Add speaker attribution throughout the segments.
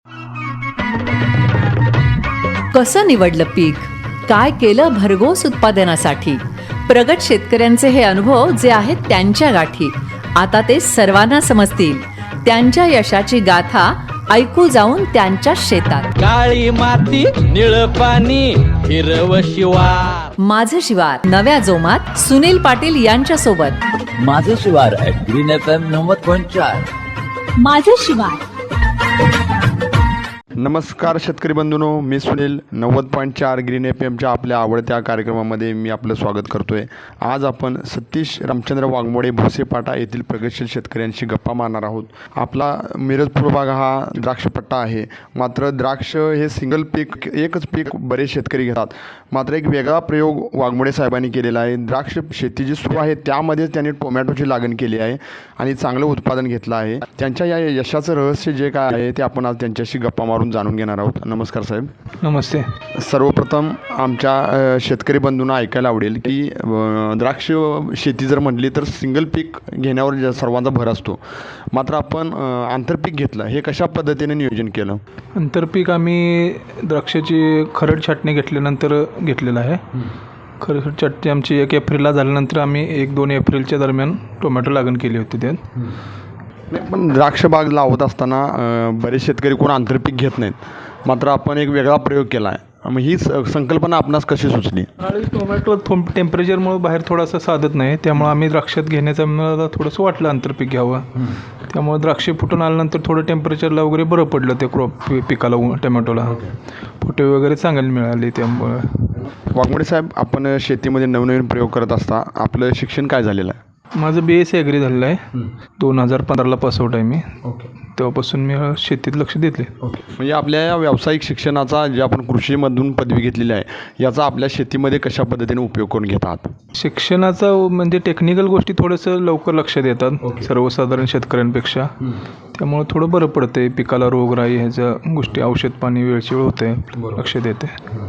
Speaker 1: कसं निवडलं पीक, काय केलं भरघोस उत्पादनासाठी. प्रगत शेतकऱ्यांचे हे अनुभव जे आहेत त्यांच्या गाठी, आता ते सर्वांना समजतील. त्यांच्या यशाची गाथा ऐकू जाऊन त्यांच्या शेतात.
Speaker 2: काळी माती निळ पाणी हिरव शिवार.
Speaker 1: माझं शिवार नव्या जोमात सुनील पाटील यांच्या सोबत.
Speaker 3: माझं शिवार ग्रीन FM 90.4.
Speaker 4: माझं शिवार.
Speaker 5: नमस्कार शेतकरी बंधूंनो, मी सुनील 90.4 ग्रीन FMच्या आपल्या आवडत्या कार्यक्रमामध्ये मी आपलं स्वागत करतो आहे. आज आपण सतीश रामचंद्र वाघमोडे भोसेपाटा येथील प्रगतशील शेतकऱ्यांशी गप्पा मारणार आहोत. आपला मिरज पूर्व भाग हा द्राक्षपट्टा आहे. मात्र द्राक्ष हे सिंगल पीक, एकच पीक बरेच शेतकरी घेतात. मात्र एक वेगळा प्रयोग वाघमोडे साहेबांनी केलेला आहे. द्राक्ष शेती जी सुरू आहे त्यामध्येच त्यांनी टोमॅटोची लागण केली आहे आणि चांगलं उत्पादन घेतलं आहे. त्यांच्या या यशाचं रहस्य जे काय आहे ते आपण आज त्यांच्याशी गप्पा मारून जाणून घेणार आहोत. नमस्कार साहेब.
Speaker 6: नमस्ते.
Speaker 5: सर्वप्रथम आमच्या शेतकरी बंधूंना ऐकायला आवडेल की द्राक्ष शेती जर म्हटली तर सिंगल पीक घेण्यावर सर्वांचा भर असतो. मात्र आपण आंतरपीक घेतलं, हे कशा पद्धतीने नियोजन केलं?
Speaker 6: आंतरपीक आम्ही द्राक्षाची खरड छाटणी घेतल्यानंतर घेतलेलं आहे. खरड छाटणी आमची 1 एप्रिलला झाल्यानंतर आम्ही 1-2 एप्रिलच्या दरम्यान टोमॅटो लागण केली होती त्यात.
Speaker 5: पण द्राक्ष बाग लावत असताना बरेच शेतकरी कोण आंतरपीक घेत नाहीत. मात्र आपण एक वेगळा प्रयोग केला आहे. मग ही संकल्पना आपणास कशी सुचली?
Speaker 6: आणि टोमॅटो टेम्परेचरमुळे बाहेर थोडासा साधत नाही, त्यामुळे आम्ही द्राक्षात घेण्याचं मला थोडंसं वाटलं आंतरपीक घ्यावं. त्यामुळे द्राक्षे फुटून आल्यानंतर थोडं टेम्परेचरला वगैरे बरं पडलं ते पिकाला, टोमॅटोला फुटे वगैरे चांगले मिळाले. त्यामुळे वाघमोडे
Speaker 5: साहेब, आपण शेतीमध्ये नवनवीन प्रयोग करत असता. आपलं शिक्षण काय झालेलं आहे?
Speaker 6: माझं BSc ॲग्री झालेलं आहे. 2015ला पासआउट आहे मी. तेव्हापासून मी शेतीत लक्ष देतले.
Speaker 5: म्हणजे आपल्या या व्यावसायिक शिक्षणाचा, जे आपण कृषीमधून पदवी घेतलेली आहे, याचा आपल्या शेतीमध्ये कशा पद्धतीने उपयोग करून घेतात?
Speaker 6: शिक्षणाचा म्हणजे टेक्निकल गोष्टी थोडंसं लवकर लक्षात येतात सर्वसाधारण शेतकऱ्यांपेक्षा. त्यामुळे थोडं बरं पडतं आहे. पिकाला रोगराई ह्याच्या गोष्टी, औषध पाणी वेळची वेळ होते, लक्षात येते.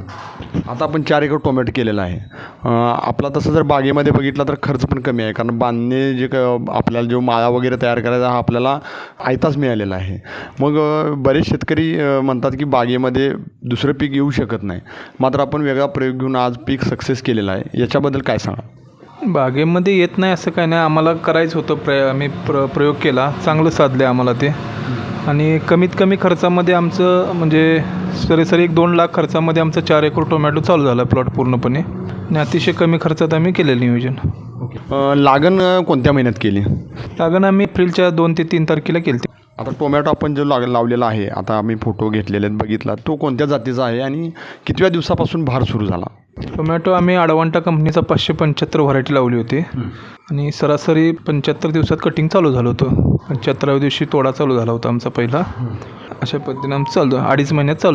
Speaker 5: आता आपण 4 एकर टोमॅटो केलेला आहे. आपला तसं जर बागेमध्ये बघितला तर खर्च पण कमी आहे, कारण बांधणे जे आपल्याला जो माळा वगैरे तयार करायचा हा आपल्याला आयताच मिळालेला आहे. मग बरेच शेतकरी म्हणतात की बागेमध्ये दुसरं पीक येऊ शकत नाही. मात्र आपण वेगळा प्रयोग घेऊन आज पीक सक्सेस केलेला आहे. याच्याबद्दल काय सांगा?
Speaker 6: बागेमध्ये येत नाही असं काय नाही, आम्हाला करायचं होतं. आम्ही प्रयोग केला, चांगलं साधलं आम्हाला ते. आणि कमीत कमी खर्चामध्ये आमचं म्हणजे सरासरी 1-2 लाख खर्चामध्ये आमचं 4 एकर टोमॅटो चालू झाला प्लॉट पूर्णपणे. आणि अतिशय कमी खर्चात आम्ही केलेलं नियोजन.
Speaker 5: लागण कोणत्या महिन्यात केली?
Speaker 6: लागण आम्ही एप्रिलच्या 2 ते 3 तारखेला केली.
Speaker 5: आता टोमॅटो आपण जो लावलेला आहे, आता आम्ही फोटो घेतलेले आहेत, बघितला, तो कोणत्या जातीचा आहे आणि कितव्या दिवसापासून भार सुरू झाला?
Speaker 6: टोमॅटो आम्ही अडवांटा कंपनीचा 575 व्हरायटी लावली होती. आणि सरासरी 75 दिवसात कटिंग चालू झालं होतं. 75व्या दिवशी तोडा चालू झाला होता आमचा पहिला. अशा पद्धतीने आमचं चालू 2.5 महिन्यात चालू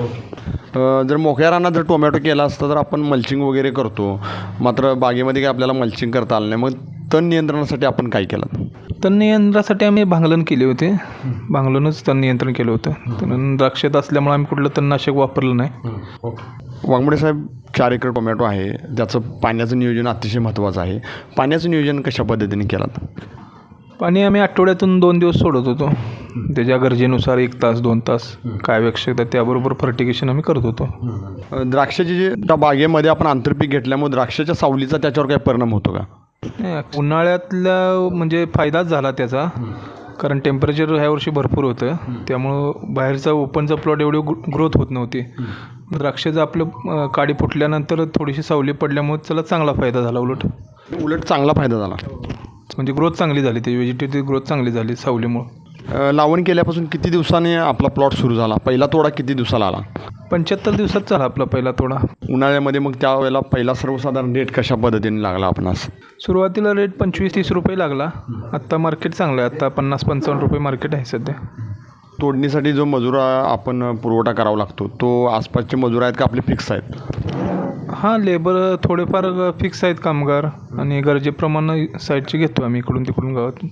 Speaker 6: झालं.
Speaker 5: जर मोकळ्या रानात जर टोमॅटो केला असता तर आपण मल्चिंग वगैरे करतो. मात्र बागेमध्ये काही आपल्याला मल्चिंग करता आलं नाही. मग तण नियंत्रणासाठी आपण काय केलं?
Speaker 6: तण नियंत्रणासाठी आम्ही भांगलन केली होती. भांगलूनच तण नियंत्रण केलं होतं. तण द्राक्षात असल्यामुळे आम्ही कुठलं तणनाशक वापरलं नाही.
Speaker 5: वाघमोडे साहेब, 4 एकर टोमॅटो आहे, त्याचं पाण्याचं नियोजन अतिशय महत्त्वाचं आहे. पाण्याचं नियोजन कशा पद्धतीने केलं?
Speaker 6: पाणी आम्ही आठवड्यातून 2 दिवस सोडत होतो. त्याच्या गरजेनुसार 1 तास 2 तास काय आवश्यकता त्याबरोबर फर्टिगेशन आम्ही करत होतो.
Speaker 5: द्राक्षाची जी त्या बागेमध्ये आपण आंतरपीक घेतल्यामुळे द्राक्षाच्या सावलीचा त्याच्यावर काही परिणाम होतो का?
Speaker 6: उन्हाळ्यातला म्हणजे फायदाच झाला त्याचा, कारण टेम्परेचर ह्या वर्षी भरपूर होतं. त्यामुळं बाहेरचा ओपनचा प्लॉट एवढी ग्रोथ होत नव्हती. द्राक्षाचं आपलं काडी फुटल्यानंतर थोडीशी सावली पडल्यामुळे त्याला चांगला फायदा झाला.
Speaker 5: उलट चांगला फायदा झाला,
Speaker 6: म्हणजे ग्रोथ चांगली झाली, त्याची व्हेजिटेटिव्ह ग्रोथ चांगली झाली सावलीमुळं.
Speaker 5: लावण केल्यापासून किती दिवसांनी आपला प्लॉट सुरू झाला? पहिला तोडा किती दिवसाला आला?
Speaker 6: 75 दिवसात झाला आपला पहिला तोडा.
Speaker 5: उन्हाळ्यामध्ये मग त्यावेळेला पहिला सर्वसाधारण रेट कशा पद्धतीने लागला आपणास?
Speaker 6: सुरुवातीला रेट 25-30 रुपये लागला. आत्ता मार्केट चांगलं आहे. आत्ता 50-55 रुपये मार्केट आहे सध्या.
Speaker 5: तोडणीसाठी जो मजूर आपण पुरवठा करावा लागतो, तो आसपासचे मजूर आहेत का आपले फिक्स आहेत?
Speaker 6: हां, लेबर थोडेफार फिक्स आहेत कामगार, आणि गरजेप्रमाणे साईडचे घेतो आम्ही इकडून तिकडून गावातून.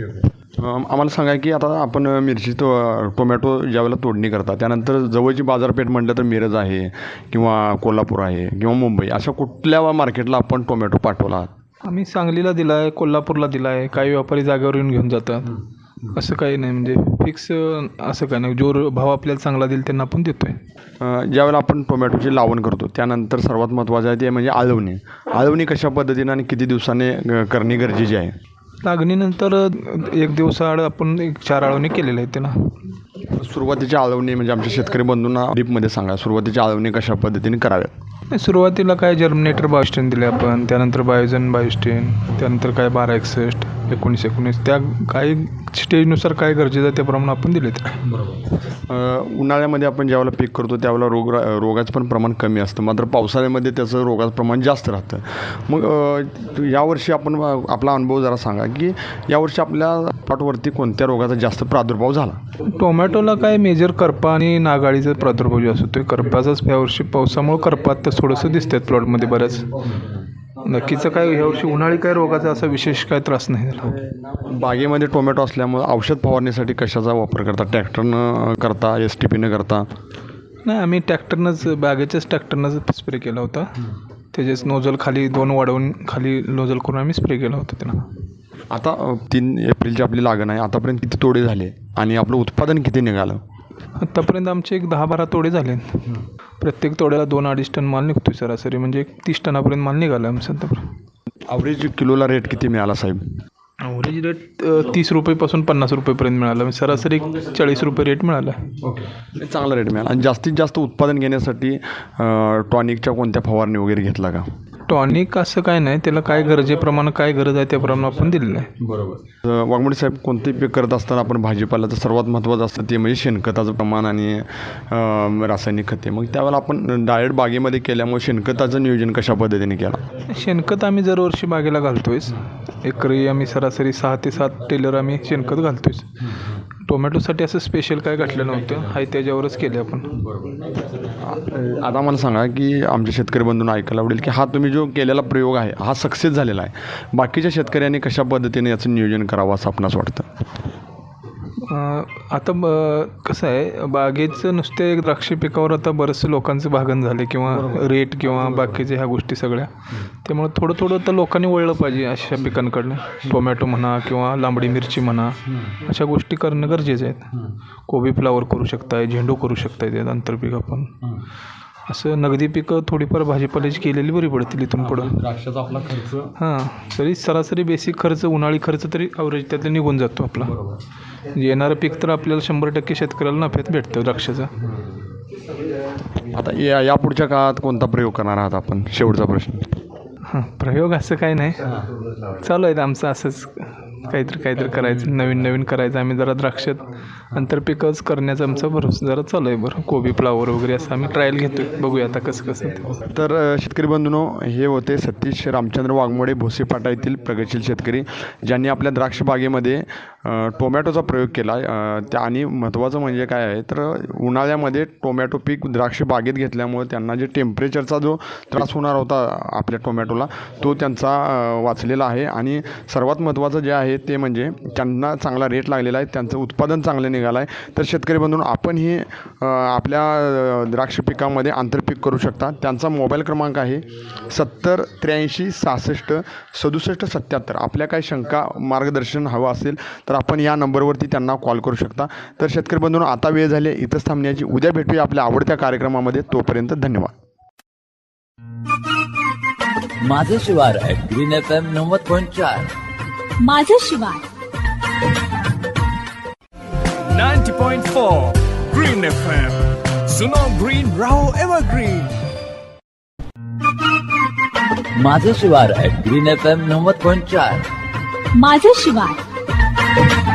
Speaker 5: आम्हाला सांगा की आता आपण मिरची टोमॅटो ज्यावेळेला तोडणी करता त्यानंतर जवळची बाजारपेठ म्हटलं तर मिरज आहे किंवा कोल्हापूर आहे किंवा मुंबई, अशा कुठल्या मार्केटला आपण टोमॅटो पाठवला?
Speaker 6: आम्ही सांगलीला दिला आहे, कोल्हापूरला दिला आहे. काही व्यापारी जागेवर येऊन घेऊन जातात. असं काही नाही म्हणजे फिक्स असं काही नाही. जो भाव आपल्याला चांगला देईल त्यांना आपण देतोय.
Speaker 5: ज्यावेळेला आपण टोमॅटोची लावण करतो त्यानंतर सर्वात महत्त्वाचं आहे ते म्हणजे आळवणी. आळवणी कशा पद्धतीनं आणि किती दिवसाने करणे गरजेचे आहे?
Speaker 6: लागणीनंतर 1 दिवसाआड आपण 4 आळवणी केलेल्या आहेत त्याला.
Speaker 5: सुरुवातीची आळवणी म्हणजे आमच्या शेतकरी बंधूंना डीपमध्ये सांगा, सुरुवातीची आळवणी कशा पद्धतीने कराव्यात?
Speaker 6: सुरुवातीला काय जर्मिनेटर 22 दिले आपण, त्यानंतर बायोजन 22, त्यानंतर काय 1261, 1919 त्या काही स्टेजनुसार काय गरजेचं आहे त्याप्रमाणे आपण दिलेत.
Speaker 5: उन्हाळ्यामध्ये आपण ज्यावेळेला पीक करतो त्यावेळेला रोगाचं पण प्रमाण कमी असतं, मात्र पावसाळ्यामध्ये त्याचं रोगाचं प्रमाण जास्त राहतं. मग यावर्षी आपण आपला अनुभव जरा सांगा की यावर्षी आपल्या प्लॉटवरती कोणत्या रोगाचा जास्त प्रादुर्भाव झाला?
Speaker 6: टोमॅटोला काय मेजर करपा आणि नागाळीचा प्रादुर्भाव जास्त होतो. करपाचाच यावर्षी पावसामुळे करपात तर थोडंसं दिसतात प्लॉटमध्ये बऱ्याच. नक्कीचं काय ह्यावर्षी उन्हाळी काय रोगाचा असा विशेष काय त्रास नाही झाला.
Speaker 5: बागेमध्ये टोमॅटो असल्यामुळे औषध फवारण्यासाठी कशाचा वापर करता? ट्रॅक्टरनं करता, STPनं करता?
Speaker 6: नाही, आम्ही बागेच्याच ट्रॅक्टरनंच स्प्रे केला होता. त्याचेच नोजल खाली 2 वाढवून खाली नोजल करून आम्ही स्प्रे केला होता त्यांना.
Speaker 5: आता 3 एप्रिलची आपली लागण आहे, आतापर्यंत किती तोडे झाले आणि आपलं उत्पादन किती निघालं?
Speaker 6: आत्तापर्यंत आमचे एक 10-12 तोडे झाले. प्रत्येक तोड्याला 2-2.5 टन माल निघतोय सरासरी, म्हणजे 30 टनापर्यंत माल निघाला आमचा आत्तापर्यंत.
Speaker 5: ॲव्हरेज किलोला रेट किती मिळाला साहेब?
Speaker 6: ॲव्हरेज रेट 30 रुपयेपासून 50 रुपयेपर्यंत मिळाला, म्हणजे सरासरी 40 रुपये रेट मिळाला.
Speaker 5: चांगला रेट मिळाला. आणि जास्तीत जास्त उत्पादन घेण्यासाठी टॉनिकच्या कोणत्या फवारणी वगैरे घेतला का?
Speaker 6: टॉनिक असं काय नाही, त्याला काय गरजेप्रमाणे काय गरज आहे त्याप्रमाणे आपण दिलेलं आहे.
Speaker 5: बरोबर. वाघमोडे साहेब, कोणतेही पीक करत असताना आपण भाजीपाल्याचं सर्वात महत्त्वाचं असतं ते म्हणजे शेणखताचं प्रमाण आणि रासायनिक खते. मग त्यावेळेला आपण डायरेक्ट बागेमध्ये केल्यामुळे शेणखताचं नियोजन कशा पद्धतीने केलं?
Speaker 6: शेणखत आम्ही दरवर्षी बागेला घालतोयच. एकरी आम्ही सरासरी 6 ते 7 टेलर आम्ही शेणखत घालतोयच. टोमॅटोसाठी असं स्पेशल काय घातलं नव्हतं, हाय त्याच्यावरच केले आपण.
Speaker 5: आता मला सांगा की आमच्या शेतकरी बंधूंना ऐकायला आवडेल की हा तुम्ही जो केलेला प्रयोग आहे हा सक्सेस झालेला आहे. बाकीच्या शेतकऱ्यांनी कशा पद्धतीने याचं नियोजन करावं असं आपणास वाटतं?
Speaker 6: आता कसं आहे, बागेचं नुसते द्राक्ष पिकावर आता बरेचसे लोकांचं भागन झाले किंवा रेट किंवा बाकीच्या ह्या गोष्टी सगळ्या. त्यामुळे थोडं तर लोकांनी वळलं पाहिजे अशा पिकांकडनं. टोमॅटो म्हणा किंवा लांबडी मिरची म्हणा, अशा गोष्टी करणं गरजेचं आहे. कोबी फ्लावर करू शकताय, झेंडू करू शकताय, त्यात आंतरपीक आपण. असं नगदी पिकं थोडीफार भाजीपाल्याची केलेली बरी पडतील इथून पुढं.
Speaker 5: द्राक्षाचा आपला खर्च
Speaker 6: तरी सरासरी बेसिक खर्च, उन्हाळी खर्च तरी ॲव्हरेज त्यातला निघून जातो आपला. येणारं पीक तर आपल्याला 100% शेतकऱ्याला नफ्यात भेटतं द्राक्षाचा.
Speaker 5: आता या पुढच्या काळात कोणता प्रयोग करणार आहात आपण? शेवटचा प्रश्न.
Speaker 6: प्रयोग असं काही नाही, चालू आहेत आमचं असंच काहीतरी करायचं, नवीन करायचं. आम्ही जरा द्राक्षात आंतरपिकच करण्याचा आमचा भरोसा जरा चालू आहे. बरं, कोबी फ्लावर वगैरे असं आम्ही ट्रायल घेतोय, बघूया आता कसं.
Speaker 5: तर शेतकरी बंधूंनो, हे होते सतीश रामचंद्र वाघमोडे, भोसेपाटा येथील प्रगतशील शेतकरी, ज्यांनी आपल्या द्राक्ष बागेमध्ये टोमॅटोचा प्रयोग केला. आणि महत्त्वाचं म्हणजे काय आहे तर उन्हाळ्यामध्ये टोमॅटो पीक द्राक्ष बागेत घेतल्यामुळे त्यांना जे टेम्परेचरचा जो त्रास होणार होता आपल्या टोमॅटोला तो त्यांचा वाचलेला आहे. आणि सर्वात महत्त्वाचं जे आहे ते म्हणजे त्यांना चांगला रेट लागलेला आहे, त्यांचं उत्पादन चांगलं निघालं आहे. तर शेतकरी बंधूंनो, आपणही आपल्या द्राक्ष पिकामध्ये आंतरपीक करू शकता. त्यांचा मोबाईल क्रमांक आहे 70 83 66 67 77. आपल्या काही शंका मार्गदर्शन हवं असेल तर आपण या नंबरवरती त्यांना कॉल करू शकता. तर शेतकरी बंधूंनो, आता वेळ झाली इथंच थांबण्याची. उद्या भेटूया आपल्या आवडत्या कार्यक्रमामध्ये. तोपर्यंत धन्यवाद.
Speaker 3: माझं शिवार ग्रीन FM 90.4.
Speaker 4: माझं शिवार
Speaker 7: 90.4 Green FM. सुनो ग्रीन, रहो एवरग्रीन.
Speaker 3: माझं शिवार ग्रीन FM 90.4.
Speaker 4: माझं शिवार